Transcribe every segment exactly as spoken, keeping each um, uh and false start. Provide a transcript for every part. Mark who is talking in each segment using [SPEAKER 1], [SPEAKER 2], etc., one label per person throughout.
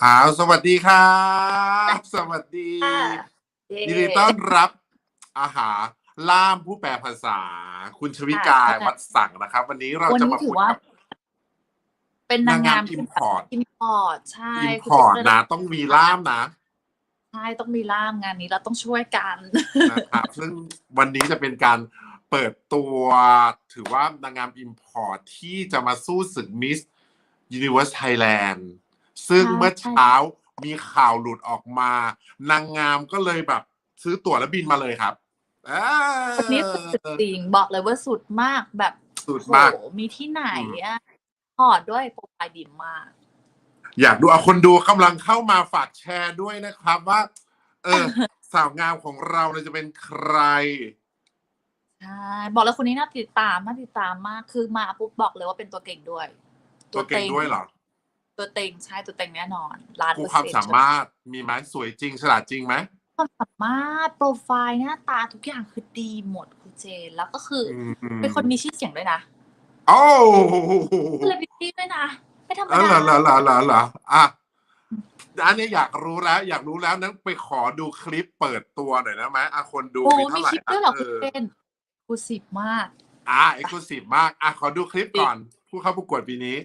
[SPEAKER 1] อ้าวสวัสดีครับสวัสดี
[SPEAKER 2] ค่ะเ
[SPEAKER 1] ยินดีต้อนรับอาหาล่ามผู้แปลภาษาคุณชวิ
[SPEAKER 2] ค่ะ
[SPEAKER 1] กา
[SPEAKER 2] ใช่
[SPEAKER 1] วัดสังนะครับวันนี้เรา
[SPEAKER 2] วัน
[SPEAKER 1] จะ
[SPEAKER 2] นี้ถือว่า
[SPEAKER 1] มาคุยกับ
[SPEAKER 2] เป็นนางงาม
[SPEAKER 1] นางงามอิ
[SPEAKER 2] ที่แบบ
[SPEAKER 1] มพอร์ต
[SPEAKER 2] import ใช่
[SPEAKER 1] อิมพ
[SPEAKER 2] คุณเจก็เลยต้อง
[SPEAKER 1] อร์ตนะต้องมีล่ามนะ
[SPEAKER 2] ใช่ต้องมีล่ามงานนี้เราต้องช่วยกัน
[SPEAKER 1] นะครับซึ่งวันนี้จะเป็นการเปิดตัวถือว่านางงามอิมพอร์ตที่จะมาสู้ศึกมิสยูนิเวอร์สไทยแลนด์ซึ่ง
[SPEAKER 2] ใช่
[SPEAKER 1] เมื่อ
[SPEAKER 2] ใช่
[SPEAKER 1] เช้ามีข่าวหลุดออกมานางงามก็เลยแบบซื้อตั๋วแล้วบินมาเลยครับเอ
[SPEAKER 2] คนนี้สุดจริงบอกเลยว่าสุดมากแบบ
[SPEAKER 1] สุด
[SPEAKER 2] โห
[SPEAKER 1] มาก
[SPEAKER 2] มีที่ไหน
[SPEAKER 1] อืม
[SPEAKER 2] อะพอร์ตด้วยโปรไฟล์ดีมาก
[SPEAKER 1] อยากดูเอาคนดูกำลังเข้ามาฝากแชร์ด้วยนะครับว่า เออ สาวงามของเราเนี่ยจะเป็นใคร
[SPEAKER 2] ใช่บอกเลยคนนี้น่าติดตามน่าติดตามมากคือมาปุ๊บบอกเลยว่าเป็นตัวเก่งด้วย
[SPEAKER 1] ตัวเก่งด้วยเหรอ
[SPEAKER 2] ตัวเต็งใช่ตัวเต็งแน่นอนล้าน
[SPEAKER 1] กู
[SPEAKER 2] เปอร์
[SPEAKER 1] ความ
[SPEAKER 2] เซ็นต์
[SPEAKER 1] สามารถมีไหมสวยจริงฉลาดจริงไหม
[SPEAKER 2] ความสามารถโปรไฟล์หน้าตาทุกอย่างคือดีหมดคุณเจนแล้วก็คือ
[SPEAKER 1] อื
[SPEAKER 2] เป็นคน
[SPEAKER 1] ม
[SPEAKER 2] มีชื่อเสียงด้วยนะ
[SPEAKER 1] โอ้
[SPEAKER 2] เซเลบริตี้ด้วยนะไม่ธรรม
[SPEAKER 1] เออ
[SPEAKER 2] ดา
[SPEAKER 1] เหรอเหรอเหรอเหรอเหรออ่ะอันนี้อยากรู้แล้ว อยากรู้แล้วนั้นไปขอดูคลิปเปิดตัวหน่อยนะไหมอ่ะคนดู
[SPEAKER 2] โอ้
[SPEAKER 1] มีเท่า
[SPEAKER 2] มี
[SPEAKER 1] ไหร่อ่ะ
[SPEAKER 2] คลิปด้วยเหรอ
[SPEAKER 1] เออ
[SPEAKER 2] คุณเจนกูสิบมาก
[SPEAKER 1] อ่ะเอ็กซ์คลูซีฟมากอ่ะขอดูคลิปก่อนผู้เข้าประกวดปีนี้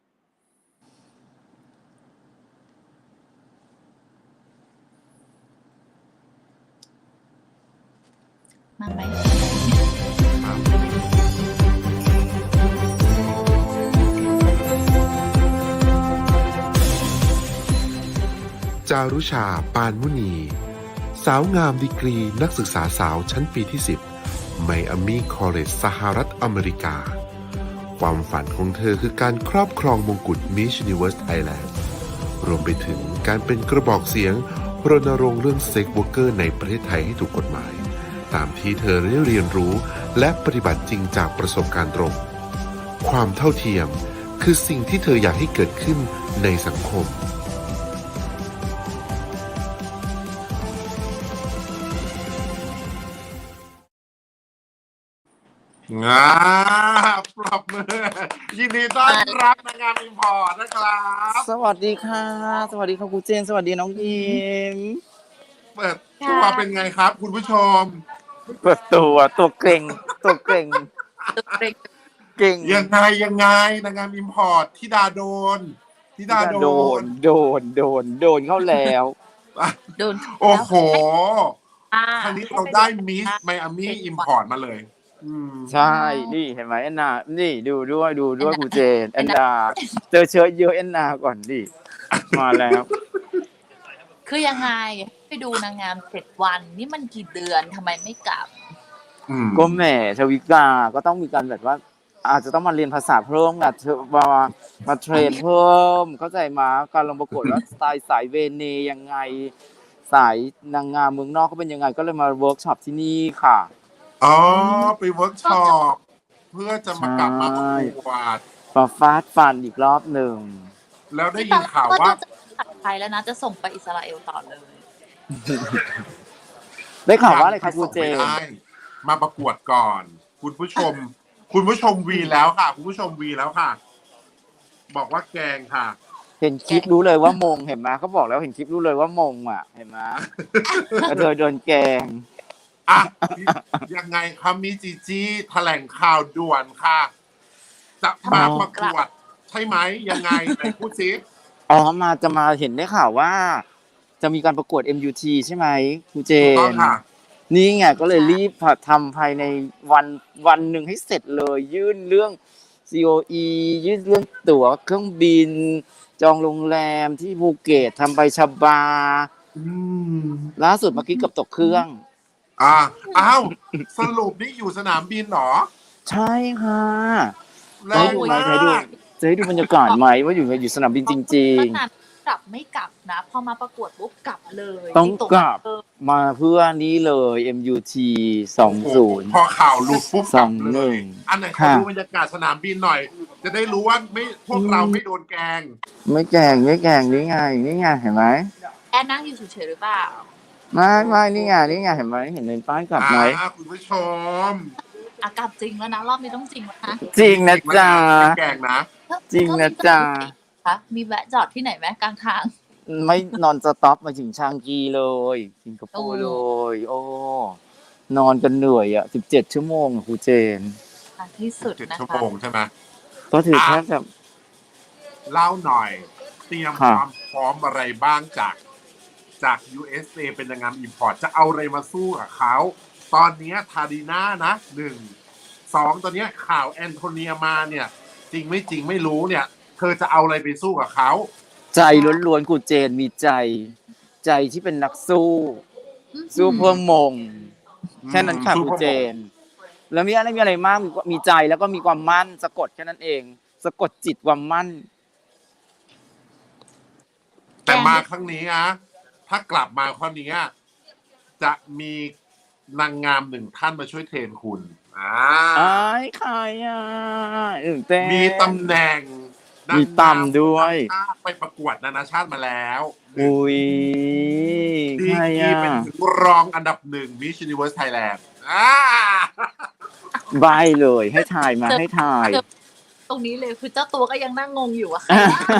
[SPEAKER 2] มาไหม
[SPEAKER 3] จารุชา ปานมุนี สาวงามดีกรีนักศึกษาสาวชั้นปีที่ สิบ ไมอามี่คอลเลจสหรัฐอเมริกา ความฝันของเธอคือการครอบครองมงกุฎ Miss Universe Thailand รวมไปถึงการเป็นกระบอกเสียงรณรงค์เรื่องเซ็กวอร์เกอร์ในประเทศไทยให้ถูกกฎหมาย ตามที่เธอได้เรียนรู้และปฏิบัติจริงจากประสบการณ์ตรง ความเท่าเทียมคือสิ่งที่เธออยากให้เกิดขึ้นในสังคม
[SPEAKER 1] งาปรบมือยินดีต้อนรับนางงามอิมพอร์ตนะครับ
[SPEAKER 4] สวัสดีค่ะ สวัสดีค่ะครูเจน สวัสดีน้องยิม
[SPEAKER 1] เปิดตัวเป็นไงครับ คุณผู้ชม
[SPEAKER 4] เปิดตัวตัวเก่ง ตัวเก่ง
[SPEAKER 2] ตัวเต็ง
[SPEAKER 4] เก่ง
[SPEAKER 1] ยังไงยังไงนางงามอิมพอร์ตที่ดาโดนที่ดาโด
[SPEAKER 4] โด
[SPEAKER 1] น
[SPEAKER 4] น โดน โดน โดนเข้าแล้ว
[SPEAKER 2] โดน
[SPEAKER 1] โอ้โห
[SPEAKER 2] อ่า
[SPEAKER 1] ครั้งนี้เราได้มิสไมอามี่อิมพอร์ตมาเลย อืม
[SPEAKER 4] ใช่ นี่เห็นไหมแอนนา นี่ดูด้วยดูด้วยครูเจนแอนนา เจอเชื้อเยอะแอนนาก่อนดิ มาแล้ว
[SPEAKER 2] คือยังไงไปดูนางงามเจ็ดวันนี่มันกี่เดือนทำไมไม่กลับ
[SPEAKER 1] อืม
[SPEAKER 4] ก็แหมชวิกา ก็ต้องมีการแบบว่า อาจจะต้องมาเรียนภาษาเพิ่มนะเธอมามาเทรนเพิ่ม เข้าใจมาการลงประกวดว่าสไตล์สายเวเนยังไง สายนางงามเมืองนอกเขาเป็นยังไง ก็เลยมาเวิร์กช็อปที่นี่ค่ะ
[SPEAKER 1] อ๋อ ไปเวิร์กช็อปเพื่อจะมากลับมาประกวด
[SPEAKER 4] มาฟาดฟันอีกรอบหนึ่ง
[SPEAKER 1] แล้วได้ยินข่าวว่า
[SPEAKER 2] จะตัดไทยแล้วนะจะส่งไปอิสราเอลต่อเลย
[SPEAKER 4] ได้ข่าวว่าอะไรคะครูเจ
[SPEAKER 1] ไม่
[SPEAKER 4] น
[SPEAKER 1] ได้มาประกวดก่อน คุณผู้ชม คุณผู้ชมวีแล้วค่ะ คุณผู้ชมวีแล้วค่ะ บอกว่าแกงค่ะ
[SPEAKER 4] เห็นคลิปรู้เลยว่ามงเห็นไหมเขาบอกแล้วเห็นคลิปรู้เลยว่ามงอ่ะเห็นไหมกระเทยโดนแกง
[SPEAKER 1] อ่ะ ยังไงคะมิจิจิแถลงข่าวด่วนค่ะ จะมาประกวด ใช่ไหมยังไงไหนพูดซิ
[SPEAKER 4] อ๋อมาจะมาเห็นได้ข่าวว่า จะมีการประกวด เอ็ม ยู ที ใช่ไหมครูเจ
[SPEAKER 1] ถูกต้อง
[SPEAKER 4] น
[SPEAKER 1] ค่ะ
[SPEAKER 4] นี่ไงก็เลยรีบทำภายในวันวันหนึ่งให้เสร็จเลย ยื่นเรื่อง ซี โอ อี ยื่นเรื่องตั๋วเครื่องบิน จองโรงแรมที่ภูเก็ตทำใบชบา
[SPEAKER 1] อืม
[SPEAKER 4] ล่าสุดเมื่อกี้เกับตกเครื่อง
[SPEAKER 1] อ่าอ้าวสรุปนี่อยู่สนามบินเหรอ
[SPEAKER 4] ใช่ค่ะ
[SPEAKER 1] แร
[SPEAKER 4] จะให้
[SPEAKER 1] ง
[SPEAKER 4] ดูไหม
[SPEAKER 1] มา
[SPEAKER 4] จะให้ดู
[SPEAKER 1] ก
[SPEAKER 4] จะให้ดูบรรยากาศไหมว่าอยู่อยู่สนามบินจริง
[SPEAKER 2] ขนาดกลับไม่กลับนะพอมาประกวดปุ๊บกลับเลย
[SPEAKER 4] ต้อง
[SPEAKER 2] ที่ต
[SPEAKER 4] กลับ
[SPEAKER 2] เออ
[SPEAKER 4] ๆ มาเพื่อนี้เลย เอ็ม ยู ที สองศูนย์
[SPEAKER 1] พอข่าวหลุดปุ๊บกลับเล
[SPEAKER 4] สองหนึ่
[SPEAKER 1] ย
[SPEAKER 4] ง
[SPEAKER 1] อันไหนขอ
[SPEAKER 4] ค่ะ
[SPEAKER 1] ดูบรรยากาศสนามบินหน่อย จะได้รู้ว่าไม่พวกเราไม่โดนแกล้ง
[SPEAKER 4] ไม่แกงไม่แกงนี่ไงนี่ไงเห็นไหม
[SPEAKER 2] แอนนั่งอยู่เฉยๆหรือเปล่า
[SPEAKER 4] ไม่ไม่นี่ไงนี่ไงเห็นไหมเห็นในป้ายกลับไหม
[SPEAKER 1] อ่าคุณผู้ชม
[SPEAKER 2] อากลับจริงแล้วนะรอบนี้ต้องจริงแล้วนะ
[SPEAKER 4] จริงนะจ๊ะ
[SPEAKER 1] ไม่แกล้งนะ
[SPEAKER 4] จริงนะจ๊ะ
[SPEAKER 2] คะมีแวะจอดที่ไหนไหมกลางทาง
[SPEAKER 4] ไม่นอนสต็อปมาถึงชางกีเลยสิงคโปร์เลย โอ้นอนกันเหนื่อยอ่ะสิบเจ็ดชั่วโมงอะครูเจน
[SPEAKER 2] อ่ะที่สุด
[SPEAKER 1] เจ็ด
[SPEAKER 2] นะ
[SPEAKER 1] ชั่ว
[SPEAKER 2] คะ
[SPEAKER 1] โมงใช่ไหม
[SPEAKER 4] ก็ถือแทบจะ
[SPEAKER 1] เล่าหน่อย เตรียม
[SPEAKER 4] ค
[SPEAKER 1] ครับ วามพร้อมอะไรบ้างจากจาก ยู เอส เอ เป็นนางงามอิมพอร์ตจะเอาอะไรมาสู้กับเขา ตอนเนี้ยทาดีน่านะหนึ่งสองตอนเนี้ยข่าวแอนโทเนียมาเนี่ย จริงไม่จริงไม่รู้เนี่ย เธอจะเอาอะไรไปสู้กับเขา
[SPEAKER 4] ใจล้วนๆครูเจนมีใจ ใจที่เป็นนักสู้
[SPEAKER 2] อืม
[SPEAKER 4] สู้เพื่อมง แค่นั้นค่ะ
[SPEAKER 1] สู้
[SPEAKER 4] ครู
[SPEAKER 1] พ่อ
[SPEAKER 4] เจน แล้วมีอะไรมีอะไรมากมีมีใจแล้วก็มีความมั่นสะกดแค่นั้นเอง สะกดจิตความมั่น
[SPEAKER 1] แต่มาครั้งนี้อะถ้ากลับมาครั้งนี้อะจะมีนางงามหนึ่งท่านมาช่วยเทรนคุณอ่า
[SPEAKER 4] อ้ายใครอ่ะตื่นเต้น
[SPEAKER 1] มีตำแหน่งนาง
[SPEAKER 4] มี
[SPEAKER 1] งา
[SPEAKER 4] ตำด้วย
[SPEAKER 1] นานาชาติไปประกวดนานาชาติมาแล้ว
[SPEAKER 4] อุ้ย
[SPEAKER 1] ดี
[SPEAKER 4] ใคร
[SPEAKER 1] กรี
[SPEAKER 4] อ่ะ
[SPEAKER 1] เป็นถึงรองอันดับหนึ่ง Miss Universe Thailand อ่า
[SPEAKER 4] ใบเลยให้ถ่ายมาให้ถ่าย
[SPEAKER 2] ตรงนี้เลยคือเจ้าตัวก็ยังนั่งงงอยู่อะ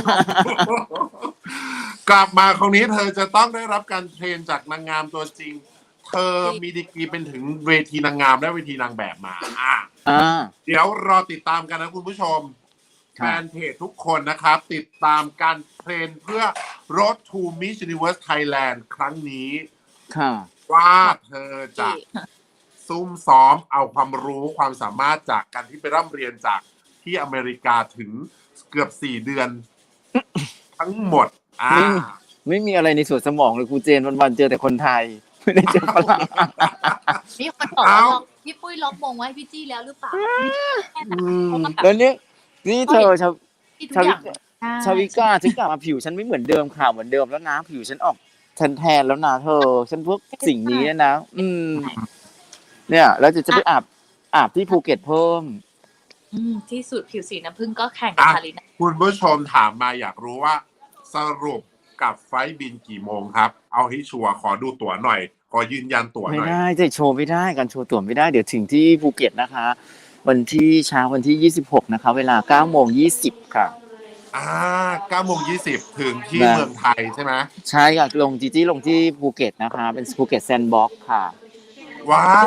[SPEAKER 1] กลับมาคราวนี้เธอจะต้องได้รับการเทรนจากนางงามตัวจริง เธอมีดีกรีเป็นถึงเวทีนางงามและเวทีนางแบบมาอ่ะ
[SPEAKER 4] อ่า
[SPEAKER 1] เดี๋ยวรอติดตามกันนะคุณผู้ชม
[SPEAKER 4] ครั
[SPEAKER 1] แฟ
[SPEAKER 4] บ
[SPEAKER 1] นเพจทุกคนนะครับ ติดตามการเทรนเพื่อ Road to Miss Universe Thailand ครั้งนี้
[SPEAKER 4] ค่ะ
[SPEAKER 1] ว่าเธอจะซุ่มซ้อมเอาความรู้ความสามารถจากการที่ไปร่ำเรียนจากที่อเมริกาถึงเกือบสี่เดือน ทั้งหมด อ่า
[SPEAKER 4] ไม่ ไม่มีอะไรในส่วนสมองเลยครูเจนวันๆเจอแต่คนไทย ไม่ได้เจอฝรั่ง
[SPEAKER 2] มีคนบอกว่า
[SPEAKER 1] เอ้า
[SPEAKER 2] ล็อกพี่ปุ้ยล็อกมงไว้ให้พี่จี้แล้วหรือเปล่าแค่นั้น
[SPEAKER 4] อืม
[SPEAKER 2] เพราะว่าแบบ
[SPEAKER 4] แล้วนี่นี่เธอชาว
[SPEAKER 2] ที่ทุกอย่าง
[SPEAKER 4] ชาวิก้าฉันกลับมาผิวฉันไม่เหมือนเดิมข่าวเหมือนเดิมแล้วนะผิวฉันออกแทนแทนๆแล้วนะเธอ ฉันพวกสิ่งนี้นะ อืม เนี่ย แล้วจะจะไปอาบอาบที่ภูเก็ตเพิ่ม
[SPEAKER 2] อืมที่สุดผิวสีน้ำผึ้งก็แข่งกับ
[SPEAKER 1] อ่ะ
[SPEAKER 2] คาริน่า
[SPEAKER 1] คุณผู้ชมถามมาอยากรู้ว่า สรุปกับไฟล์บินกี่โมงครับ เอาให้ชัวร์ขอดูตั๋วหน่อย ขอยืนยันตั๋ว
[SPEAKER 4] ไม่
[SPEAKER 1] หน่อย
[SPEAKER 4] ได้จะโชว์ไม่ได้การโชว์ตั๋วไม่ได้เดี๋ยวถึงที่ภูเก็ตนะคะ วันที่เช้าวันที่ยี่สิบหกนะคะ เวลาเก้าโมงยี่สิบค่ะ
[SPEAKER 1] อ่าเก้าโมงยี่สิบถึงที่
[SPEAKER 4] นะ
[SPEAKER 1] เมืองไทยใช่ไหม
[SPEAKER 4] ใช่ค่ะลงจีจี้ลงที่ภูเก็ตนะคะ เป็นภูเก็ตแซนด์บ็อกซ์ค่ะ
[SPEAKER 1] ว้าว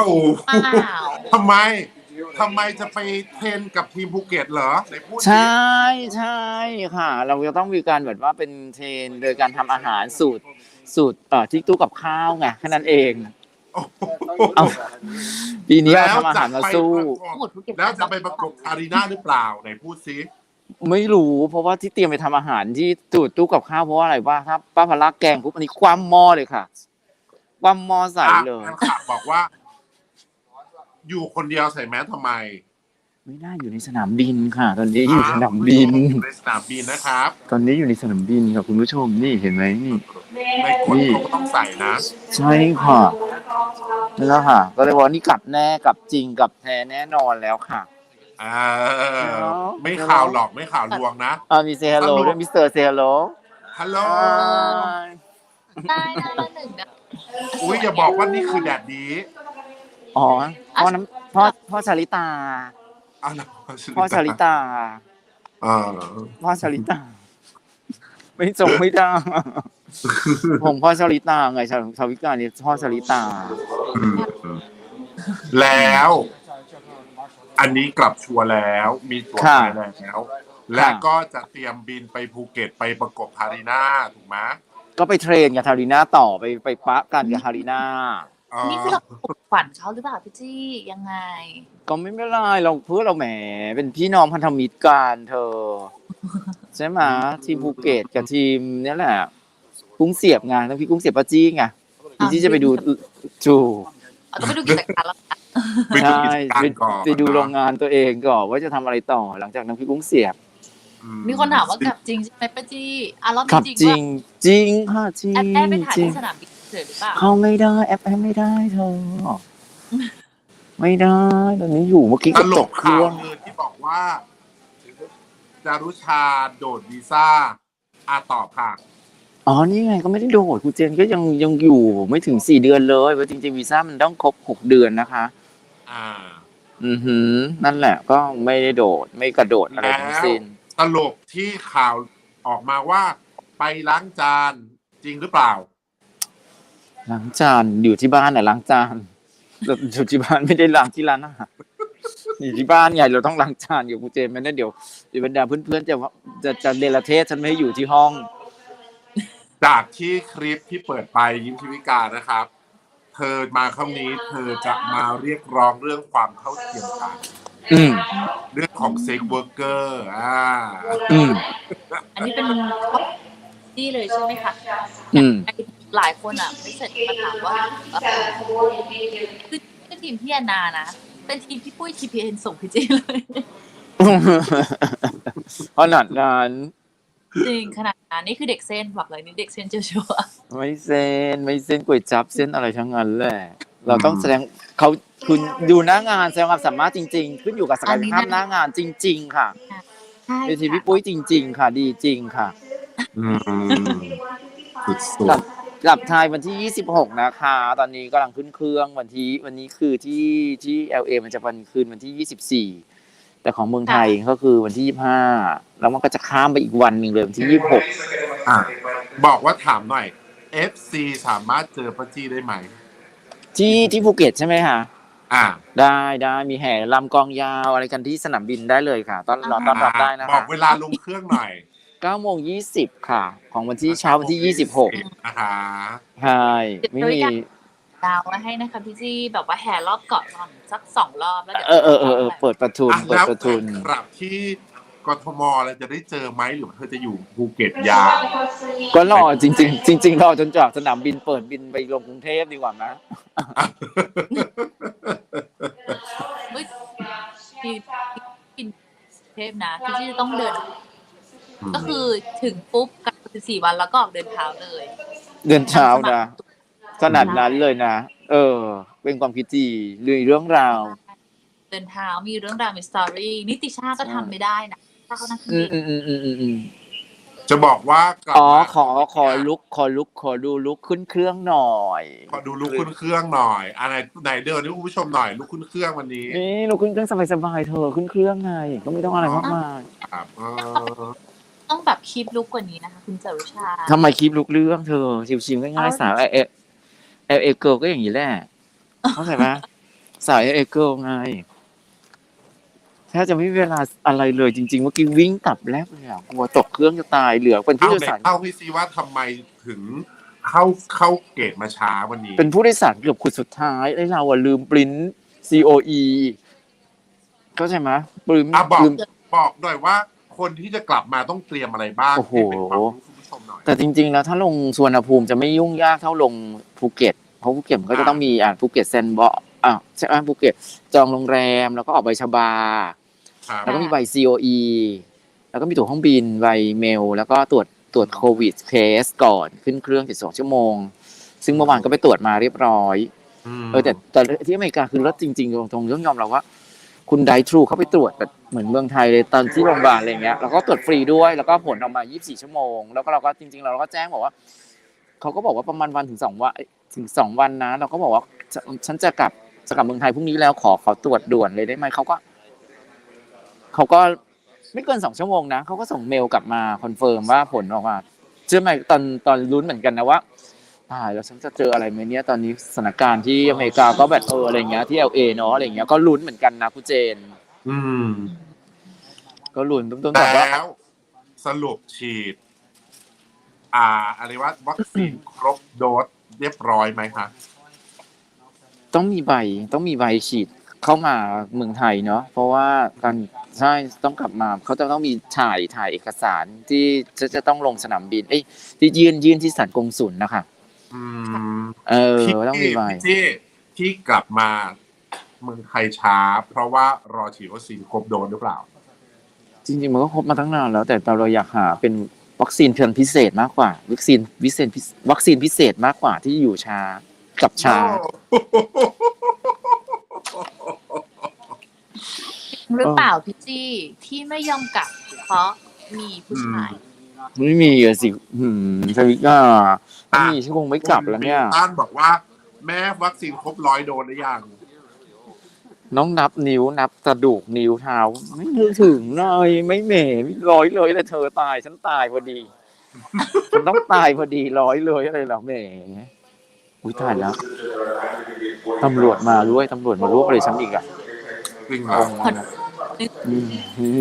[SPEAKER 2] อ้าว
[SPEAKER 1] ทำไมทำไมจะไปเทรนกับทีมภูเก็ตเหรอไหนพูดสิ
[SPEAKER 4] ใช่ใช่ค่ะ เราจะต้องมีการแบบว่าเป็นเทรนโดยการทำอาหารสูตรสูตรเอ่อที่ตู้กับข้าวไงแค่นั้นเอง
[SPEAKER 1] โอ้โห
[SPEAKER 4] เอาปีนี้เรา
[SPEAKER 1] แล้ว
[SPEAKER 4] ทำอาหารมาสู้
[SPEAKER 1] จะไปประกบ
[SPEAKER 2] หมดภูเก็ต
[SPEAKER 1] แล้วจะไปประกบคารีน่าหรือเปล่าไหนพูดสิ
[SPEAKER 4] ไม่รู้เพราะว่าที่เตรียมไปทำอาหารที่ตูดตู้กับข้าวเพราะว่าอะไรว่าถ้าป้าพลักแกงปุ๊บอันนี้คว่ำหม้อเลยค่ะคว่ำหม้อใส่เลย
[SPEAKER 1] อ่ะแฟนคลับบอกว่า อยู่คนเดียวใส่แมสทำไม
[SPEAKER 4] ไม่ได้อยู่ในสนามบินค่ะ ตอนนี้อยู่สนามบิน
[SPEAKER 1] อยู่ในสนามบินนะครับ
[SPEAKER 4] ตอนนี้อยู่ในสนามบินค่ะคุณผู้ชมนี่เห็นไหมนี่
[SPEAKER 1] ในกฎเขาก็ต้องใส่นะ
[SPEAKER 4] ใช่ค่ะนี่แล้วค่ะ ก็เลยว่านี่กลับแน่กลับจริงกลับแท้แน่นอนแล้วค่ะ
[SPEAKER 1] เออไม่ข่าวหลอกไม่ข่าวลวงนะ
[SPEAKER 4] อ่ามีเซฮัลโหลด้วยมิสเตอร์เซฮัลโหล
[SPEAKER 1] ฮัลโหล
[SPEAKER 2] ได้นะละหนึ่งนะ
[SPEAKER 1] อุ้ยอย่าบอกว่านี่คือแดดดี
[SPEAKER 4] อ๋อพ่อน้ำพ่อพ่อชาลิตา
[SPEAKER 1] อ้าว
[SPEAKER 4] พ่อชาลิตา
[SPEAKER 1] เออ
[SPEAKER 4] พ่อชาลิตา ไม่ส่งไม่ได้ผมพ่อชาลิตาไงชาวชาวิกานี่พ่อชาลิตา
[SPEAKER 1] อืมแล้ว อันนี้กลับชัวร์แล้ว มีตั๋ว
[SPEAKER 4] ค่ะ
[SPEAKER 1] ไปแล้ว และก็จะเตรียมบินไปภูเก็ตไปประกบคารีน่าถูกไหม
[SPEAKER 4] ก็ไปเทรนกับฮาริน่าต่อไปไปปะกันกับฮาริน่า
[SPEAKER 1] เออ
[SPEAKER 2] นี่คือเราปลุกฝันเขาหรือเปล่าพี่จี้ยังไง
[SPEAKER 4] ก็ไม่เป็นไรเราเพื่อเราแหมเป็นพี่น้องพันธมิตรกันเธอ ใช่ไหมทีมภูเก็ตกับทีมนี่แหละกุ้งเสียบไงแล้วพี่กุ้งเสียบป้าจี้ไงพี่จี้จะไปดูจู
[SPEAKER 2] เอาต้องไปดูกิจการแล้วนะ
[SPEAKER 1] ไปดู
[SPEAKER 4] ใช่
[SPEAKER 1] กิจการ
[SPEAKER 4] ไป
[SPEAKER 1] ก่อน
[SPEAKER 4] ไปดูโรงงานตัวเองก่อนว่าจะทำอะไรต่อหลังจากนั้นพี่กุ้งเสียบ
[SPEAKER 1] อื
[SPEAKER 2] มีคนถามว่ากลับจริงใช่ไหมป้าจี้อ่ะรอบ
[SPEAKER 4] ขับ
[SPEAKER 2] นี้
[SPEAKER 4] จ
[SPEAKER 2] จ
[SPEAKER 4] ริ
[SPEAKER 2] ริ
[SPEAKER 4] ง
[SPEAKER 2] ง
[SPEAKER 4] จริงค่ะจริง
[SPEAKER 2] ว่าแอบได้ไปถ่าย
[SPEAKER 4] จริง
[SPEAKER 2] ที่สนามบินเฉยหรือเปล่า
[SPEAKER 4] เข้าไม่ได้แอปแอปไม่ได้เธอไม่ได้ตอนนี้อยู่เมื่อกี้
[SPEAKER 1] ต
[SPEAKER 4] ก็
[SPEAKER 1] ล
[SPEAKER 4] ต
[SPEAKER 1] ก
[SPEAKER 4] กเค
[SPEAKER 1] ข่า
[SPEAKER 4] รื่
[SPEAKER 1] ว
[SPEAKER 4] อง
[SPEAKER 1] ลือที่บอกว่า จารุชาโดดวีซ่าอาตอบค่ะ
[SPEAKER 4] อ๋อนี่ไงก็ไม่ได้โดดครูเจนก็ยังยังอยู่ไม่ถึงสี่เดือนเลยเพราะจริงๆวีซ่ามันต้องครบหกเดือนนะคะ
[SPEAKER 1] อ่า
[SPEAKER 4] อือหือนั่นแหละก็ไม่ได้โดดไม่กระโดดอะไรทั้งสิ้น
[SPEAKER 1] ตลกที่ข่าวออกมาว่าไปล้างจานจริงหรือเปล่า
[SPEAKER 4] ล้างจานอยู่ที่บ้านน่ะล้างจานแต่อยู่ที่บ้านไม่ได้ล้างที่ร้านอาหารอยู่ที่บ้านไงเราต้องล้างจานอยู่กูเจมส์ไม่งั้นเดี๋ยวเดี๋ยวบรรดาเพื่อนๆจะว่าจะจะเดลเทศฉันไม่ให้อยู่ที่ห้อง
[SPEAKER 1] จากที่คลิปที่เปิดไปยิ้มชีวิกานะครับ เธอมาครั้งนี้เธอจะมาเรียกร้องเรื่องความเท่าเทียมกัน
[SPEAKER 4] อืม
[SPEAKER 1] เรื่องของเซ็กเวิร์กเกอร์อ่า
[SPEAKER 4] อืม
[SPEAKER 2] อันนี้เป็นที่เลยใช่ไหมคะ
[SPEAKER 4] อืม
[SPEAKER 2] หลายคนอ่ะไม่เสร็จมาถามว่าเอ่อคือคือทีมพี่แอนนานะเป็นทีมพี่ปุ้ยทีพีเอ็นส่งพี่เจเลย
[SPEAKER 4] ขนาดนั้น
[SPEAKER 2] จริงขนาดนั้นนี่คือเด็กเส้นบอกเลยนี่เด็กเส้นเจ้าชัว
[SPEAKER 4] ไม่เส้นไม่เส้นก๋วยจับเส้นอะไรทั้งนั้นแหละเราต้องแสดงเขาคุณดูหน้างานแสดงความสามารถจริง ๆ ขึ้นอยู่กับศักยภาพหน้างานจริง ๆ ค่ะ
[SPEAKER 2] ใช่
[SPEAKER 4] เวทีพี่ปุ้ยจริง ๆ ค่ะ ดีจริงค่ะ
[SPEAKER 1] อืมสุด
[SPEAKER 4] กลับกลับไทยวันที่ยี่สิบหกนะคะ ตอนนี้กำลังขึ้นเครื่องวันที่วันนี้คือที่ที่ แอล เอ มันจะวันคืนวันที่ยี่สิบสี่แต่ของเมืองไทยก็คือวันที่ยี่สิบห้าแล้วมันก็จะข้ามไปอีกวันหนึ่งเลยวันที่ยี่สิบหก
[SPEAKER 1] ๆอ่ะบอกว่าถามหน่อย เอฟ ซี สามารถเจอป้าจี้ได้ไหม
[SPEAKER 4] ที่ที่ภูเก็ตใช่ไหมคะ
[SPEAKER 1] อ่า
[SPEAKER 4] ได้ได้มีแห่ลำกองยาวอะไรกันที่สนามบินได้เลยค่ะต้อนรอต้อนรับได้นะ
[SPEAKER 1] บอ
[SPEAKER 4] คะ
[SPEAKER 1] กเวลาลงเครื่องหน่อย
[SPEAKER 4] เก้าโมงยี่สิบค่ะ ของวันที่เช้าวันที่ยี่สิบหก
[SPEAKER 1] นะคะ
[SPEAKER 4] ใช่ไม่มี
[SPEAKER 2] ดาวไว้ให้นะคะพี่จี้แบบว่าแห่รอบเกาะก่อนสักสองรอบแล้วเดี๋ยว
[SPEAKER 4] เออเออเออเออเปิดประทุน
[SPEAKER 1] อ่ะ
[SPEAKER 4] เปิด
[SPEAKER 1] แล้ว
[SPEAKER 4] ประทุน
[SPEAKER 1] กลับที่กทมเราจะได้เจอไหมหรือว่าเธอจะอยู่ภูเก็ตยาว
[SPEAKER 4] ก็รอจริง ๆ จริง ๆ รอจนจากสนามบินเปิดบินไปลงกรุงเทพดีกว่านะ
[SPEAKER 2] เฮ้ยที่กินเทพนะพี่จี้จะต้องเดิน ก็คือถึงปุ๊บกักสิบสี่วันแล้วก็ออกเดินเท้าเลย
[SPEAKER 4] เดินเช้านะขนาดนั้นเลยนะ เออ เป็นความคิดที่เรื่องราว
[SPEAKER 2] เดินเท้ามีเรื่องราวมีสตอรี่นิติชาก็ทำไม่ได้นะถ้าเขานั่งเครื่
[SPEAKER 4] อื
[SPEAKER 2] อง
[SPEAKER 4] ม
[SPEAKER 2] บิน
[SPEAKER 4] อืมอืมอืมอืม
[SPEAKER 1] จะบอกว่ากลับ
[SPEAKER 4] อ๋อ
[SPEAKER 1] มา
[SPEAKER 4] ขอขอลุกขอลุกขอดูลุกขึ้นเครื่องหน่อย
[SPEAKER 1] ขอดูลุกขึ้นเครื่องหน่อยอันไหนไหนเดินให้คุณผู้ชมหน่อยลุกขึ้นเครื่องวันนี้
[SPEAKER 4] นี่ลุกขึ้นเครื่องสบายๆเธอขึ้นเครื่องไงก็ไม่ต้องอะไรมากมาย
[SPEAKER 1] ครับเออ
[SPEAKER 2] ต้องแบบคีบลุกกว่านี้นะคะคุณจารุชา
[SPEAKER 4] ทำไมคลิปลุกเรื่องเธอชิวๆง่ายๆสาวเอเอเอเอเกิลก็อย่างนี้แหละเข้าใจไหมสาวเอเอเกิลไงแทบจะไม่มีเวลาอะไรเลยจริงๆเมื่อกี้วิ่งกลับแรกเลยอ่ะกลัวตกเครื่องจะตายเหลือเป็นผู้
[SPEAKER 1] เอา
[SPEAKER 4] โดย
[SPEAKER 1] ไหน
[SPEAKER 4] สาร
[SPEAKER 1] เข้าให้ซิว่าทำไมถึงเข้าเข้าเกตมาช้าวันนี้
[SPEAKER 4] เป็นผู้โดยสารเกือบคนสุดท้ายไอ้เราอ่ะลืมปริ้น ซี โอ อี เข้าใจไหมปริ้น
[SPEAKER 1] อ่ะบอก
[SPEAKER 4] ลืม
[SPEAKER 1] บอกหน่อยว่าคนที่จะกลับมาต้องเตรียมอะไรบ้าง
[SPEAKER 4] โอ้โห
[SPEAKER 1] ให้เป็นความรู้คุณผู้ชมหน่อย
[SPEAKER 4] แต่จริงๆแล้วถ้าลงสุวรรณภูมิจะไม่ยุ่งยากเท่าลงภูเก็ตเพราะภูเก็ตมันก็จะต้องมีอ่าภูเก็ตแซนด์บ็อกซ์อ่ะใช่ไหมภูเก็ตจองโรงแรมแล้วก็ออกใบชบา
[SPEAKER 1] ครับ
[SPEAKER 4] แล้วก็มีใบ ซี โอ อี แล้วก็มีตั๋วเครื่องบินใบเมล แล้วก็ตรวจตรวจโควิดเทสก่อนขึ้นเครื่องเจ็ดสิบสองชั่วโมง ซึ่งเมื่อวานก็ไปตรวจมาเรียบร้อยเออแต่แต่ที่อเมริกาคือรถจริงๆตรงๆต้องยอมรับว่า คุณไดทรูเขาไปตรวจแบบเหมือนเมืองไทยเลยตอนที่โรงพยาบาลอะไรเงี้ยแล้วก็ตรวจฟรีด้วยแล้วก็ผลออกมายี่สิบสี่ชั่วโมงแล้วก็เราก็จริงๆเราก็แจ้งบอกว่าเขาก็บอกว่าประมาณวันถึงสองวันถึงสองวันนะเราก็บอกว่าฉันจะกลับจะกลับเมืองไทยพรุ่งนี้แล้วขอขอตรวจด่วนเลยได้ไหมเขาก็เขาก็ไม่เกินสองชั่วโมงนะเขาก็ส่งเมลกลับมาคอนเฟิร์มว่าผลออกมาเชื่อไหมตอนตอนลุ้นเหมือนกันนะว่าตายแล้วฉันจะเจออะไรไหมเนี่ยตอนนี้สถานการณ์ที่อเมริกาก็แบบเอออะไรเงี้ยที่ แอล เอ เนาะอะไรเงี้ยก็ลุ้นเหมือนกันนะคุณเจน
[SPEAKER 1] อืม
[SPEAKER 4] ก็ลุ้นต้นๆแต่ว่า
[SPEAKER 1] แล้วสรุปฉีด อ่าอะไรว่าวัคซีนครบโดสเรียบร้อยไหมคะ
[SPEAKER 4] ต้องมีใบต้องมีใบฉีดเข้ามาเมืองไทยเนาะเพราะว่าการใช่ต้องกลับมาเขาจะต้องมีถ่ายถ่ายเอกสารที่จะจะต้องลงสนามบินเอ้ยที่ยื่นยื่นที่สถานกงสุลนะคะ
[SPEAKER 1] อืม
[SPEAKER 4] เออ
[SPEAKER 1] ที่
[SPEAKER 4] ต้องมีใบ
[SPEAKER 1] ที่ที่กลับมาเมืองไทยช้า เพราะว่ารอฉีดวัคซีนครบโดสหรือเปล่า
[SPEAKER 4] จริงๆมันก็ครบมาตั้งนานแล้วแต่เราอยากหาเป็นวัคซีนเพียงพิเศษมากกว่าวัคซีนวิเศษวัคซีนพิเศษมากกว่าที่อยู่ช้ากับช้า
[SPEAKER 2] หรือเปล่าพี่จี้ที่ไม่ยอมกลับเพราะมีผู้ชาย
[SPEAKER 4] ไม่มีอะสิหืมสวิก้าไม่มีฉันคงไม่กลับแล้วเนี่ย
[SPEAKER 1] คุณต้านบอกว่า แม่วัคซีนครบร้อยโดสหรือยัง
[SPEAKER 4] น้องนับนิ้วนับกระดูกนิ้วเท้าไม่นึกถึงเลยไม่เหม่ไม่ร้อยเลยแต่เธอตายฉันตายพอดีฉันต้องตายพอดีร้อยเลยอะไรเหรอแหมอุ้ยตายแล้วตำรวจมาด้วยตำรวจมารวบเลยฉันอีกอ่ะ
[SPEAKER 1] จริงเหรอ
[SPEAKER 4] อืม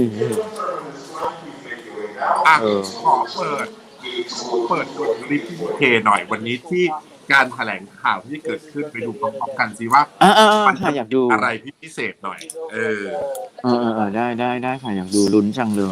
[SPEAKER 1] อ่ะ
[SPEAKER 4] เออ
[SPEAKER 1] ขอเปิดเปิดบทคลิปที่เคหน่อยวันนี้ที่การแถลงข่าวที่เกิดขึ้นไปดูพร้อมๆกันสิว่า
[SPEAKER 4] อ่าอ่า
[SPEAKER 1] มัน
[SPEAKER 4] ค่ะอยากดู
[SPEAKER 1] อะไรพิเศษหน่อย เออ
[SPEAKER 4] เออเออเออได้ได้ได้ค่ะอยากดูลุ้นจังเลย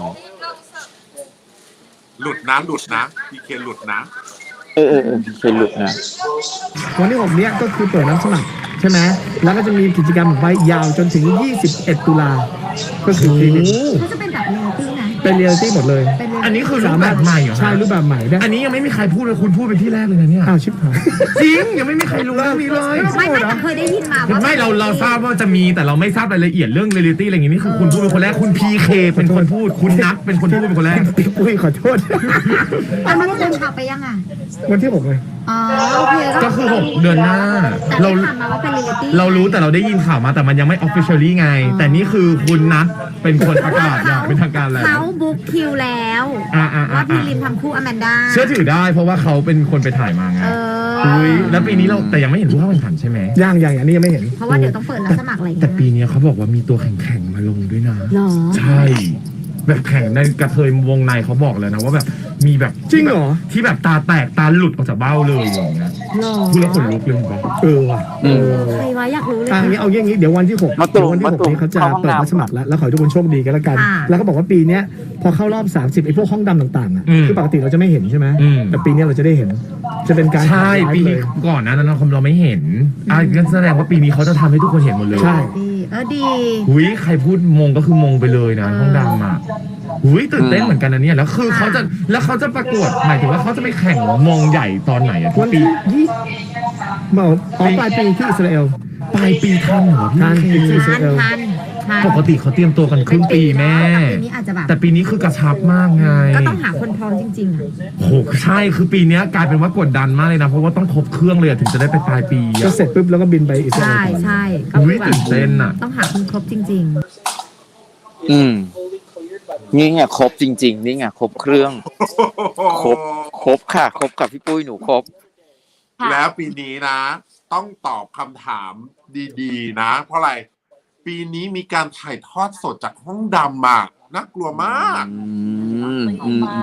[SPEAKER 1] หลุดนะหลุดนะพีเคหลุดนะ
[SPEAKER 4] เออเออเออเป็นหลุดนะ
[SPEAKER 5] วันที่หกเนี้ยก็คือเปิดรับสมัครใช่ไหมแล้วก็จะมีกิจกรรมไว้ยาวจนถึงยี่สิบเอ็ดตุลาก็คือปีนี้
[SPEAKER 6] เขาจะเป็นแบบเรียลตี้นะ
[SPEAKER 5] เป็นเรียลตี้หมดเลย
[SPEAKER 6] เป็น
[SPEAKER 7] อันนี้คือรูปแบบใหม่เหรอฮะ
[SPEAKER 5] ใช่รูปแบบใหม่ได้
[SPEAKER 7] อันนี้ยังไม่มีใครพูดเลยคุณพูดเป็นที่แรกเลยนะเนี่ย
[SPEAKER 5] อ้าวชิบหาย
[SPEAKER 7] จริงยังไม่มีใครรู้เรื่องนี้เลย
[SPEAKER 6] ไม่ไม่แต่เคยได้ยินมาว่า
[SPEAKER 7] ไม่เราเราทราบว่าจะมีแต่เราไม่ทราบรายละเอียดเรื่องเรียลิตี้อะไรอย่างงี้นี่คือคุณพูดเป็นคนแรกคุณพีเคเป็นคนพูดคุณนัทเป็นคนพูดเป็นคนแรก
[SPEAKER 5] อุ้ยขอโทษ
[SPEAKER 6] แต่มันเดินทางไปยังอ่ะ
[SPEAKER 5] วันที่หกเลย
[SPEAKER 6] อ๋อโอเค
[SPEAKER 7] ก็คือหกเดือนหน้า
[SPEAKER 6] แต่
[SPEAKER 7] เรา
[SPEAKER 6] ได้ข่าวมาว่าเป็นเรียลตี้
[SPEAKER 7] เรารู้แต่เราได้ยินข่าวมาแต่มันยังไม่ officially ไง แต่นี่คือคุณนัทเป็นคนประกาศอย่างเป็นทางการแล้ว
[SPEAKER 6] เขาบุ๊กคิวแล้ว
[SPEAKER 7] อ่าอ่าอ่า
[SPEAKER 6] ว่าพี่ริมทำคู่อแมนด้า
[SPEAKER 7] เชื่อถือได้เพราะว่าเขาเป็นคนไปถ่ายมาไง
[SPEAKER 6] เออ
[SPEAKER 7] อุ้ยแล้วปีนี้เราแต่ยังไม่เห็นผู้เข้าแข่งขันใช่ไหม
[SPEAKER 5] ย่างอย่างอันนี้ยังไม่เห็น
[SPEAKER 6] เพราะว่าเดี๋ยวต้องเปิดรับสมัครอะไรอย่าง
[SPEAKER 7] แต่
[SPEAKER 6] เงี้ย
[SPEAKER 7] ปีนี้เขาบอกว่ามีตัวแข่งๆมาลงด้วยนะ
[SPEAKER 6] หรอ
[SPEAKER 7] ใช่ แบบแข่งในกระเทยวงในเขาบอกเลยนะว่าแบบมีแบบ
[SPEAKER 5] จริงเหรอ
[SPEAKER 7] ที่แบบตาแตกตาหลุดออกจากเบ้าเลยอย่างเงี้ย
[SPEAKER 6] หรอ
[SPEAKER 7] พูดแล้วขนลุกเลยบอก
[SPEAKER 5] เออว่ะ
[SPEAKER 4] อืม
[SPEAKER 6] ใครวะอยากรู้เลย
[SPEAKER 5] อ่างี้เอาอย่างงี้เดี๋ยววันที่หก
[SPEAKER 4] มาตุ่ม
[SPEAKER 5] เดี๋ยววันที่หก
[SPEAKER 4] มาตุ่ม
[SPEAKER 5] นี้เขาจะ
[SPEAKER 4] เข้าห้อง
[SPEAKER 5] เปิด
[SPEAKER 4] น้ำ
[SPEAKER 5] รับสมัครแล้วแล้วขอให้ทุกคนโชคดีกันแล้วกัน
[SPEAKER 6] ค่ะ
[SPEAKER 5] แล้วก็บอกว่าปีเนี้ยพอเข้ารอบสามสิบไอ้พวกห้องดำต่างๆอ่ะ
[SPEAKER 7] อืม
[SPEAKER 5] คือปกติเราจะไม่เห็นใช่ไหม
[SPEAKER 7] อืม
[SPEAKER 5] แต่ปีเนี้ยเราจะได้เห็น จะเป็นการ
[SPEAKER 7] ใช่
[SPEAKER 5] ถ่ายไลฟ์
[SPEAKER 7] ปี
[SPEAKER 5] เล
[SPEAKER 7] นี้
[SPEAKER 5] ย
[SPEAKER 7] ก่อนหนะนั้นเราเราไม่เห็นอ่ะงั้นแสดงว่าปีนี้เขาจะทำให้ทุกคนเห็นหมดเลย
[SPEAKER 5] ใช่
[SPEAKER 6] ดีเออดี
[SPEAKER 7] หุยใครพูดมงก็คือมงไปเลยนะห้องดำอ่ะหุยตื่นเต้นเหมือนกันนะเนี่ยแล้วคือเขาจะแล้วเขาจะประกวดหมายถึงว่าเขาจะไปแข่งมงใหญ่ตอนไหนอะทุ
[SPEAKER 5] วั
[SPEAKER 7] ก
[SPEAKER 5] น
[SPEAKER 7] ปี
[SPEAKER 5] ที่ยี่เมื่ออ๋อปลายปีที่อิสราเอล
[SPEAKER 7] ปลายปีทันเหรอพี่
[SPEAKER 5] ทัน
[SPEAKER 7] เค
[SPEAKER 5] อิส
[SPEAKER 6] ทั
[SPEAKER 5] ราเอล
[SPEAKER 6] นทันทัน
[SPEAKER 7] ปกติเขาเตรียมตัวกันครึ่งปีแม่
[SPEAKER 6] แต่ปีนี้อาจจะแบบ
[SPEAKER 7] แต่ปีนี้คือกระชับมากไง
[SPEAKER 6] ก็ต้องหาคนพร้อมจริงๆอ่ะ
[SPEAKER 7] โหใช่คือปีเนี้ยกลายเป็นว่ากดดันมากเลยนะ เพราะว่าต้องครบเครื่องเลยอะถึงจะได้ไปปลายปี
[SPEAKER 5] ก็
[SPEAKER 7] อะ
[SPEAKER 5] เสร็จปุ๊บแล้วก็บินไปอิสราเอ
[SPEAKER 6] ใช่
[SPEAKER 5] ลก่อน
[SPEAKER 6] ใช่ก็
[SPEAKER 7] อุ้
[SPEAKER 6] คื
[SPEAKER 7] ย
[SPEAKER 6] อแบบ
[SPEAKER 7] ตื่นเต้นอ่ะ
[SPEAKER 6] ต้องหาคนครบจริง
[SPEAKER 4] อืมนี่ไงครบจริง ๆ นี่ไงครบเครื่อง ครบ ครบค่ะ ครบกับพี่ปุ้ยหนูครบ
[SPEAKER 2] ค่ะ
[SPEAKER 1] แล้วปีนี้นะ ต้องตอบคำถามดีๆ นะ เพราะอะไร ปีนี้มีการถ่ายทอดสดจากห้องดำอ่ะน่ากลัวมาก
[SPEAKER 4] อืม
[SPEAKER 2] สวย
[SPEAKER 4] อืม
[SPEAKER 2] มาก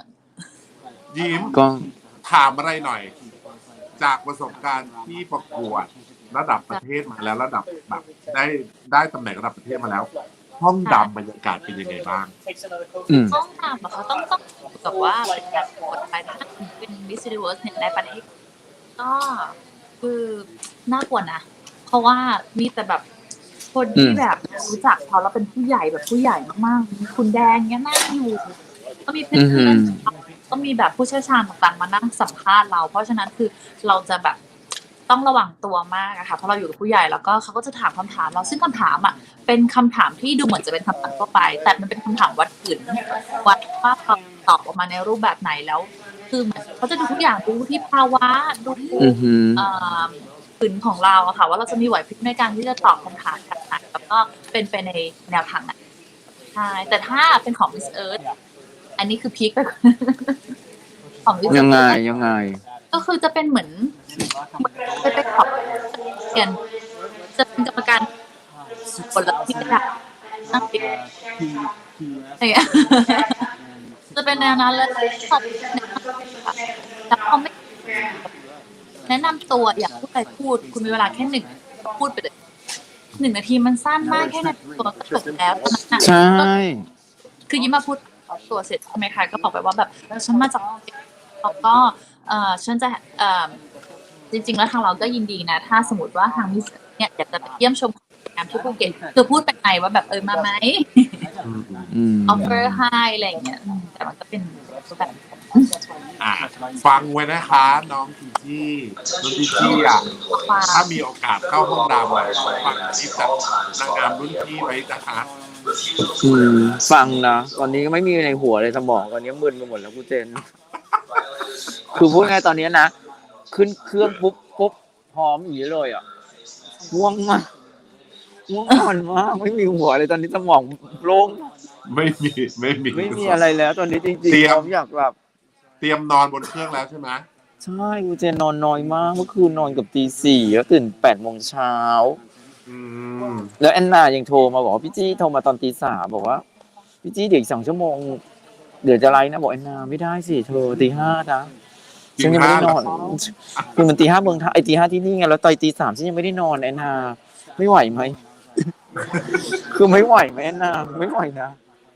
[SPEAKER 1] ยิ้ม
[SPEAKER 4] ก็
[SPEAKER 1] ถามอะไรหน่อย จากประสบการณ์ที่ประกวดระดับประเทศมาแล้วระดับแบบได้ได้ตำแหน่งระดับประเทศมาแล้ว ห้องดำบรรยากาศเป็นยังไงบ้าง
[SPEAKER 4] อืม
[SPEAKER 2] ห้องน้ำอะเขาต้องต้องกับว่าเป็นการกดไปถ้าเป็นมิสซิลิเวิร์สเนี่ยในประเทศก็คือน่ากลัวนะ เพราะว่ามีแต่แบบคนที่แบบรู้จักเขาแล้วเป็นผู้ใหญ่แบบผู้ใหญ่มากๆมีคุณแดงเนี้ยนั่งอยู่ ก็มีเพื่อนๆก็มีแบบผู้เชี่ยวชาญต่างๆมานั่งสัมภาษณ์เรา เพราะฉะนั้นคือเราจะแบบต้องระวังตัวมากอะค่ะเพราะเราอยู่กับผู้ใหญ่แล้วก็เขาก็จะถามคำถามเราซึ่งคำถามอะเป็นคำถามที่ดูเหมือนจะเป็นคำถามทั่วไป แต่มันเป็นคำถามวัดกึ่นวัดว่าเราตอบออกมาในรูปแบบไหนแล้ว คือเหมือนเขาจะดูทุกอย่างดูที่ภาวะดู
[SPEAKER 4] อือหือ
[SPEAKER 2] เอ่อขืนของเราอะค่ะ ว่าเราจะมีไหวพริบในการที่จะตอบคำถามแบบไหนแล้วก็เป็นไปในแนวทางไหนใช่แต่ถ้าเป็นของ Miss Earth อันนี้คือพีคไปกว่า ของ Miss
[SPEAKER 4] ยังไง
[SPEAKER 2] Earth
[SPEAKER 4] ยังไง
[SPEAKER 2] ก็คือจะเป็นเหมือนไปไปขอบเรียนจะเป็นกรรมการคนละที่ระดับนั่งเรียนอะไรอย่างเงี้ยจะเป็นแนวนั้นเลยขอบแล้วเขาไม่แนะนำตัวอยากพูดอะไรพูด คุณมีเวลาแค่หนึ่งพูดไปเลยหนึ่งนาทีมันสั้นมากแค่นาทีตัวก็จบแล้วตอนนั้นน่ะ
[SPEAKER 4] ใช่
[SPEAKER 2] คือยิ้มมาพูดตัวเสร็จใช่ไหมคะก็บอกไปว่าแบบฉันมาจากแล้วก็เอ่อฉันจะเอ่อจริงๆแล้วทางเราก็ยินดีนะ ถ้าสมมติว่าทางมิสเนี่ยอยากจะไปเยี่ยมชมงานที่ภูเก็ตคือพูดไปไงว่าแบบเออมาไหม
[SPEAKER 4] อืม
[SPEAKER 2] ออฟเฟอร์ให้อะไรอย่างเงี้ยอืมแต่มันก็เป็นแบบ
[SPEAKER 1] อ่ะฟังไว้นะคะ น้องจีจี้น้องจีจี้อ่ะถ้ามีโอกาสเข้าห้องดำอ่ะฟังคลิปจากนางงามรุ่นพี่ไว้นะคะ
[SPEAKER 4] อืมฟังนะตอนนี้ก็ไม่มีในหัวเลยสมองตอนนี้มึนไปหมดแล้วกูเจน คือพูดไงตอนนี้นะ ขึ้นเครื่องปุ๊บปุ๊บพร้อมอย่างนี้เลยอ่ะง่วงมากง่วงนอนมากไม่มีหัวเลยตอนนี้สมองโล่ง
[SPEAKER 1] ไม่มีไม่มี
[SPEAKER 4] ไม่มีอะไรแล้ว ตอนนี้จริง
[SPEAKER 1] เตรี
[SPEAKER 4] ๆ
[SPEAKER 1] ยม
[SPEAKER 4] ผมอยากแบบ
[SPEAKER 1] เตรียมนอนบนเครื่องแล้วใช่ไหม
[SPEAKER 4] ใช่กูเจนนอนน้อยมากเมื่อคืนนอนกับตีสี่แล้วตื่นแปดโมงเช้า
[SPEAKER 1] อืม
[SPEAKER 4] แล้วแอนนายังโทรมาบอกว่าพี่จี้โทรมาตอนตีสามบอกว่าพี่จี้เดี๋ยวอีกสองชั่วโมงเดี๋ยวจะไลฟ์นะบอกแอนนาไม่ได้สิเธอตีห้านะฉันยังไม่ได้นอนคือมันตีห้าเมืองไทยไอตีห้าที่นี่ไงแล้วตอนตีสามฉันยังไม่ได้นอนแอนนาไม่ไหวไหม คือไม่ไหวไหมแอนนาไม่ไหวนะ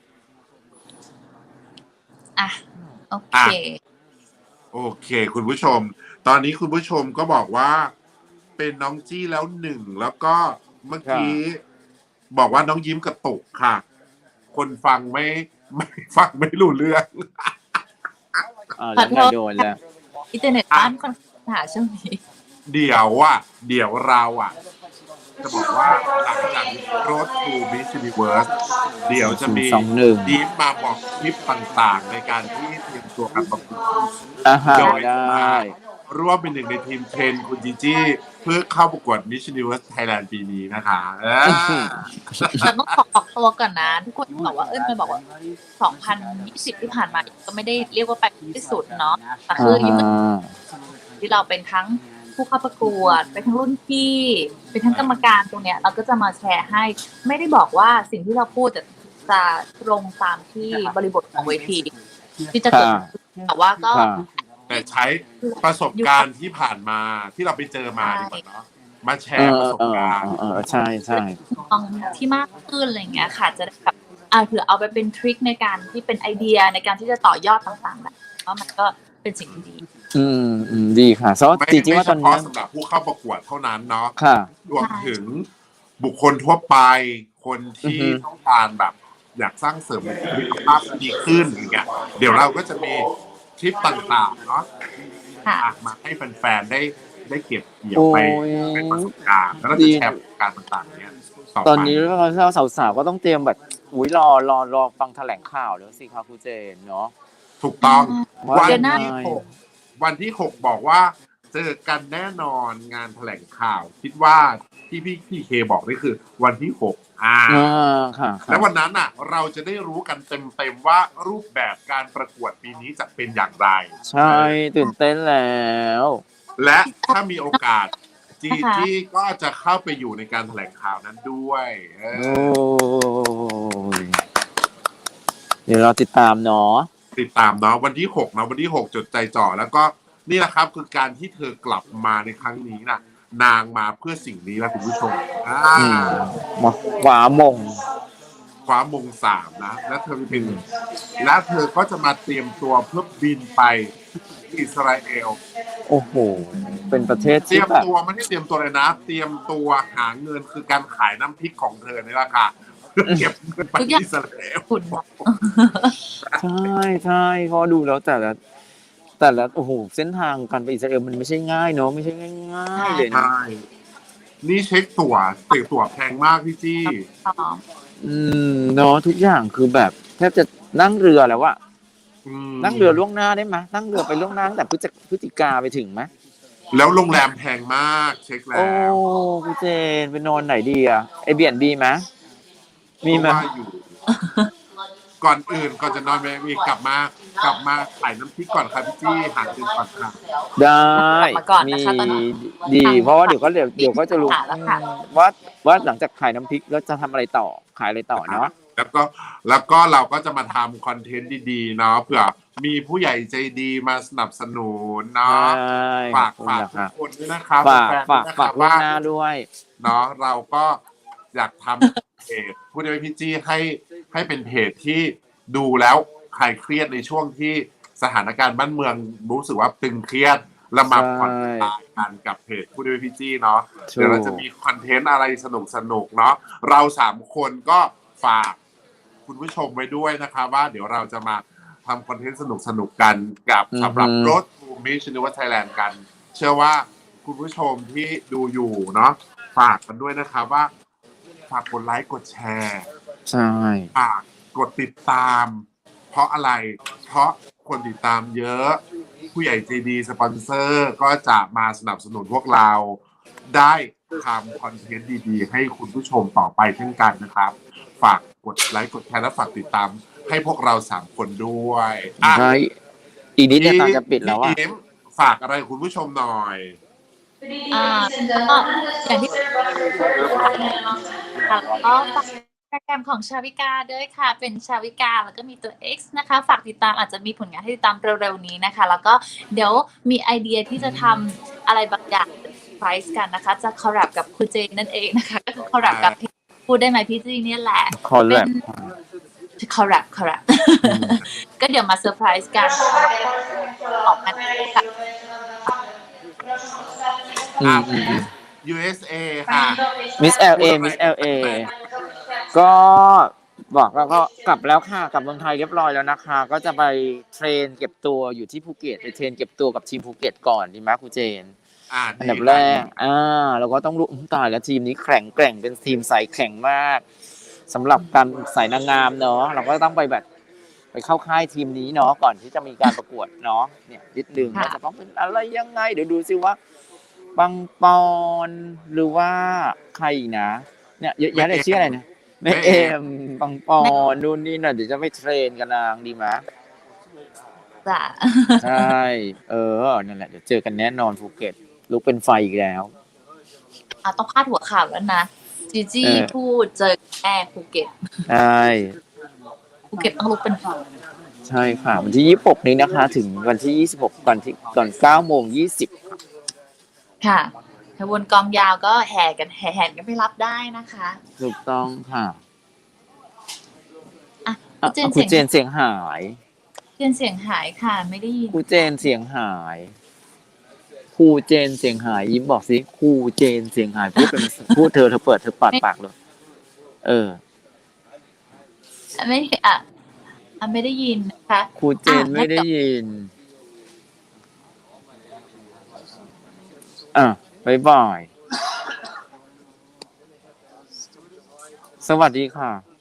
[SPEAKER 2] อ่ะโอเค
[SPEAKER 1] โอเค คุณผู้ชม ตอนนี้คุณผู้ชมก็บอกว่าเป็นน้องจี้แล้วหนึ่งแล้วก็เมื่อกี้บอกว่าน้องยิ้มกระตุกค่ะ คนฟังไม่ไม่ฟังไม่รู้เรื่อง
[SPEAKER 4] อ่าแล้วไงโดนแล้ว
[SPEAKER 2] อินเทอร์เน็ตบ้านค่อนข้างหาช่วงนี้
[SPEAKER 1] เดี๋ยวอ่ะ เดี๋ยวเราอ่ะ จะบอกว่าหลังจาก Road to Miss Universe เดี๋ยวจะมี
[SPEAKER 4] สองหนึ่ง
[SPEAKER 1] ทีมมาบอกคลิปต่างๆ ในการที่เตรียมตัวการประกวด
[SPEAKER 4] อ่าฮะ
[SPEAKER 1] โดย
[SPEAKER 4] ได้
[SPEAKER 1] ร่วมเป็นหนึ่งในทีมเทรนคุณจีจี้เพื่อเข้าประกวด Miss Universe Thailand ปีนี้นะคะเออ
[SPEAKER 2] เราต้องขอออกตัวก่อนนะ ทุกคนบอกว่าเอ้ยมันบอกว่าสองพันยี่สิบที่ผ่านมาก็ไม่ได้เรียกว่าไปที่สุดเนาะแต่คือยิ่ง
[SPEAKER 4] อ่า
[SPEAKER 2] ที่เราเป็นทั้งผู้เข้าประกวดเป็นทั้งรุ่นพี่เป็นทั้งกรรมการตรงเนี้ยเราก็จะมาแชร์ให้ไม่ได้บอกว่าสิ่งที่เราพูดจะจะตรงตามที่บริบทของเวทีที่จะเกิดขึ้นแต่ว่าก็
[SPEAKER 4] ค่ะ
[SPEAKER 1] แต่ใช้ประสบการณ์ที่ผ่านมาที่เราไปเจอมาดีกว่าเนาะมาแช
[SPEAKER 4] เอ
[SPEAKER 1] ร์
[SPEAKER 4] อ
[SPEAKER 1] ประสบ
[SPEAKER 4] เออ
[SPEAKER 1] การณ์
[SPEAKER 4] เออใช่ใช่
[SPEAKER 2] มองที่มากขึ้นอะไรอย่างเงี้ยค่ะจะได้แบบอ่าเผื่อเอาไปเป็นทริคในการที่เป็นไอเดียในการที่จะต่อยอดต่างๆแบบว่ามันก็เป็นสิ่งที่ดี
[SPEAKER 4] อืมอืมดีค่ะเพราะ
[SPEAKER 1] ไม่
[SPEAKER 4] จริงๆ
[SPEAKER 1] ไม่
[SPEAKER 4] ว่า
[SPEAKER 1] เฉ
[SPEAKER 4] ตอนเนี้
[SPEAKER 1] พาะ
[SPEAKER 4] ย
[SPEAKER 1] สำหรับผู้เข้าประกวดเท่านั้นเนาะ
[SPEAKER 4] ค่ะ
[SPEAKER 1] รวมถึงบุคคลทั่วไปคนที่
[SPEAKER 4] อือฮึ
[SPEAKER 1] ต้องการแบบ อยากสร้างเสริมสุขภาพดีขึ้นอย่างเงี้ยเดี๋ยวเราก็จะมีคลิปต่างๆเนาะ
[SPEAKER 2] ค่ะ
[SPEAKER 1] อ่ะมาให้แฟนๆได้ได้เก็บเกี่ยวไป
[SPEAKER 4] โอ้ย
[SPEAKER 1] เป็นประสบการณ์แล้วก็
[SPEAKER 4] ดี
[SPEAKER 1] จะแชร์ประสบการณ์ต่างๆเนี้ยต่อไป
[SPEAKER 4] ตอนนี้เราสาวๆก็ต้องเตรียมแบบอุ้ยรอรอรอฟังแถลงข่าวแล้วสิคะครูเจนเนาะ
[SPEAKER 1] ถูกต้อง
[SPEAKER 4] ว่า
[SPEAKER 1] วัน
[SPEAKER 2] เดือนหน้า
[SPEAKER 1] ที่หกวันที่หกบอกว่าเจอกันแน่นอนงานแถลงข่าว คิดว่าที่พี่พี่เคบอกนี่คือวันที่หกอ่า
[SPEAKER 4] อ่าค่ะค่ะ
[SPEAKER 1] แล้ววันนั้นอ่ะ เราจะได้รู้กันเต็มๆว่ารูปแบบการประกวดปีนี้จะเป็นอย่างไร
[SPEAKER 4] ใช่ตื่นเต้นแล้ว
[SPEAKER 1] และถ้ามีโอกาสจี
[SPEAKER 2] นะคะ
[SPEAKER 1] จี้ก็จะเข้าไปอยู่ในการแถลงข่าวนั้นด้วยเอ
[SPEAKER 4] โอ้
[SPEAKER 1] อย
[SPEAKER 4] เดี๋ยวเราติดตามเนาะ
[SPEAKER 1] ติดตามเนาะวันที่หกเนาะวันที่หกจดใจจ่อแล้วก็นี่แหละครับคือการที่เธอกลับมาในครั้งนี้น่ะ นางมาเพื่อสิ่งนี้แหละคุณผู้ชมอ่า
[SPEAKER 4] อืมมาขวามง
[SPEAKER 1] คว้ามงสามนะและเธอเป็นและเธอก็จะมาเตรียมตัวเพื่อบินไปอิสราเอล
[SPEAKER 4] โอ้โห เป็นประเทศ
[SPEAKER 1] เตรี
[SPEAKER 4] ที่
[SPEAKER 1] ยม
[SPEAKER 4] แบบ
[SPEAKER 1] ตัวไม่ได้เตรียมตัวเลยนะ เตรียมตัวหาเงินคือการขายน้ำพริกของเธอนี่แหละค่ะเพื่อเก็บเงินไปอิสราเอล
[SPEAKER 2] คุณ
[SPEAKER 4] ใช่ใช่เพราะดูแล้วแต่ละแต่ละโอ้โหเส้นทางการไปอิสราเอลมันไม่ใช่ง่ายเนาะไม่ใช่ง่ายๆเลยนะ
[SPEAKER 1] ใช่นี่เช็คตั๋วติดตั๋วแพงมากพี่จี้
[SPEAKER 2] ต่อ
[SPEAKER 4] อืมเนาะทุกอย่างคือแบบแทบจะนั่งเรือแล้วอะ
[SPEAKER 1] อืม
[SPEAKER 4] นั่งเรือล่วงหน้าได้ไหมนั่งเรือไปล่วงหน้าตั้งแต่พฤศจิพฤศจิกาไปถึงไหม
[SPEAKER 1] แล้วโรงแรมแพงมากเช็คแล้
[SPEAKER 4] โอ้
[SPEAKER 1] ว
[SPEAKER 4] พี่เจนไปนอนไหนดีอะไอเบียนบีไหมมีไหม
[SPEAKER 1] เพราะว่าอยู่ ก่อนอื่นก่อนจะนอนไปมีกลับมากลับมาขายน้ำพริกก่อนครับพี่จี้หาเงินก่อนค่ะ
[SPEAKER 4] ได้
[SPEAKER 2] มาก่อน
[SPEAKER 4] มี
[SPEAKER 2] นะคะตอนนี้
[SPEAKER 4] ดี เพราะว่าเดี๋ยวก็เดี๋ยวเดี๋ยวก็จะรู้
[SPEAKER 2] ค่ะแล้วค่ะ
[SPEAKER 4] ว่าว่าหลังจากขายน้ำพริกแล้วจะทำอะไรต่อขายอะไรต่อเนาะ
[SPEAKER 1] แล้วก็แล้วก็เราก็จะมาทำคอนเทนต์ดีๆเนาะเผื่อมีผู้ใหญ่ใจดีมาสนับสนุนเนาะ
[SPEAKER 4] ใช่
[SPEAKER 1] ฝาก
[SPEAKER 4] ขอบ
[SPEAKER 1] ฝาก
[SPEAKER 4] คุณ
[SPEAKER 1] ทุ
[SPEAKER 4] นะ
[SPEAKER 1] กคนด้วยนะครับ
[SPEAKER 4] ฝาก
[SPEAKER 1] แฟนๆ
[SPEAKER 4] ฝาก
[SPEAKER 1] ด้วยนะค
[SPEAKER 4] ฝา
[SPEAKER 1] รั
[SPEAKER 4] ก
[SPEAKER 1] บ
[SPEAKER 4] ล่วง
[SPEAKER 1] ว่า
[SPEAKER 4] หน้าด้วย
[SPEAKER 1] เนาะเราก็อยากทำเพจพูดได้ไหมพี่จี้ให้ให้เป็นเพจที่ดูแล้วคลายเครียดในช่วงที่สถานการณ์บ้านเมืองรู้สึกว่าตึงเครียดแล้วมา
[SPEAKER 4] ใช่
[SPEAKER 1] ผ่อนคลายกันกับเพจพูดได้ไหมพี่จี้เนาะ
[SPEAKER 4] ถูก
[SPEAKER 1] เดี๋ยวเราจะมีคอนเทนต์อะไรสนุกสนุกๆเนาะเราสามคนก็ฝากคุณผู้ชมไว้ด้วยนะคะว่าเดี๋ยวเราจะมาทำคอนเทนต์สนุกสนุกๆกันกับสำหรับ Road to Miss Universe Thailand กัน เชื่อว่าคุณผู้ชมที่ดูอยู่เนาะฝากกันด้วยนะครับว่าฝากกดไลค์กดแชร์
[SPEAKER 4] ใช่
[SPEAKER 1] ฝากกดติดตาม เพราะอะไร เพราะคนติดตามเยอะ ผู้ใหญ่ใจดีสปอนเซอร์ก็จะมาสนับสนุนพวกเราได้ทำคอนเทนต์ดีๆ ให้คุณผู้ชมต่อไปเช่นกันนะครับ ฝากกดไลค์กดแชร์และฝากติดตามให้พวกเราสามคนด้วยอ่ะ
[SPEAKER 4] ใช่อีกนิดเนี่ยตาจะปิดแล้วอ่ะ
[SPEAKER 1] พี่ยิ้มฝากอะไรคุณผู้ชมหน่อย
[SPEAKER 2] อ่าก็อย่างที่ค่ะแล้วก็ฝากโปรแกรมของชาวิกาด้วยค่ะ เป็นชาวิกาแล้วก็มีตัว X นะคะ ฝากติดตามอาจจะมีผลงานให้ติดตามเร็วๆนี้นะคะ แล้วก็เดี๋ยวมีไอเดียที่จะทำอะไรบางอย่างไพรส์กันนะคะ จะคอลแลบกับครูเจนนั่นเองนะคะ ก็คือคอลแลบกับพี่พูดได้ไหมพี่จีเนี่ยแหละ
[SPEAKER 4] คอลแลบ
[SPEAKER 2] คอลแลบคอลแลบก็เดี๋ยวมาเซอร์ไพรส์กันออกมากับ
[SPEAKER 4] อืมอืมอืม
[SPEAKER 1] ยู เอส เอ ค่ะ
[SPEAKER 4] มิส แอล เอ มิส แอล เอ ก็บอกแล้วก็กลับแล้วค่ะกลับเมืองไทยเรียบร้อยแล้วนะคะ ก็จะไปเทรนเก็บตัวอยู่ที่ภูเก็ตไปเทรนเก็บตัวกับทีมภูเก็ตก่อนดีไหมครูเจน
[SPEAKER 1] อ่า
[SPEAKER 4] อันดับแรกอ่าเราก็ต้องรู้อุ๊ยตายแล้วทีมนี้แข็งแกร่งเป็นทีมสายแข็งมากสำหรับการสายนางงามเนาะเราก็ต้องไปแบบไปเข้าค่ายทีมนี้เนาะก่อนที่จะมีการประกวดเนาะเนี่ยนิดนึงว่าจะต้องเป็นอะไรยังไงเดี๋ยวดูซิว่าปังปอนหรือว่าใครอีกนะเนี่ยเยอะแยะเลยชื่ออะไรนะแม่เอ็มปังปอนนู่นนี่น่ะเดี๋ยวจะไปเทรนกันนางดีไหม
[SPEAKER 2] จ้ะ
[SPEAKER 4] ใช่เออนั่นแหละเดี๋ยวเจอกันแน่นอนภูเก็ตลุกเป็นไฟอีกแล้ว
[SPEAKER 2] อ่ะต้องพาดหัวข่าวแล้วนะจีจี้
[SPEAKER 4] เออ
[SPEAKER 2] พูดเจอแม่ภูเก็ต
[SPEAKER 4] ใช่
[SPEAKER 2] ภูเก็ตต้องลุกเป็นไฟ
[SPEAKER 4] ใช่ค่ะวันที่ยี่สิบหกนี้นะคะ ถึงวันที่ยี่สิบหกก่อนที่ก่อนเก้าโมงยี่สิบ
[SPEAKER 2] ค่ะขบวนกองยาวก็แห่กันแห่แห่กันไปรับได้นะคะ
[SPEAKER 4] ถูกต้องค่ะ
[SPEAKER 2] อ่ะ
[SPEAKER 4] อ่ะ
[SPEAKER 2] คุณเจน
[SPEAKER 4] ครู
[SPEAKER 2] เสียง
[SPEAKER 4] เจนเสียงหาย
[SPEAKER 2] เจนเสียงหายค่ะ ไม่ได้ยิน
[SPEAKER 4] ครูเจนเสียงหายครูเจนเสียงหายยิ้มบอกสิครูเจนเสียงหายพูดเป็นพูดเธอเธอเปิดเธอปาดปากเลยเออ
[SPEAKER 2] ไม่อ่ะอ่ะไม่ได้ยินนะคะ
[SPEAKER 4] ครูเจน
[SPEAKER 2] อ่ะ
[SPEAKER 4] ไม่ได้ยิน อ่ะบ๊ายบาย สวัสดีค่ะ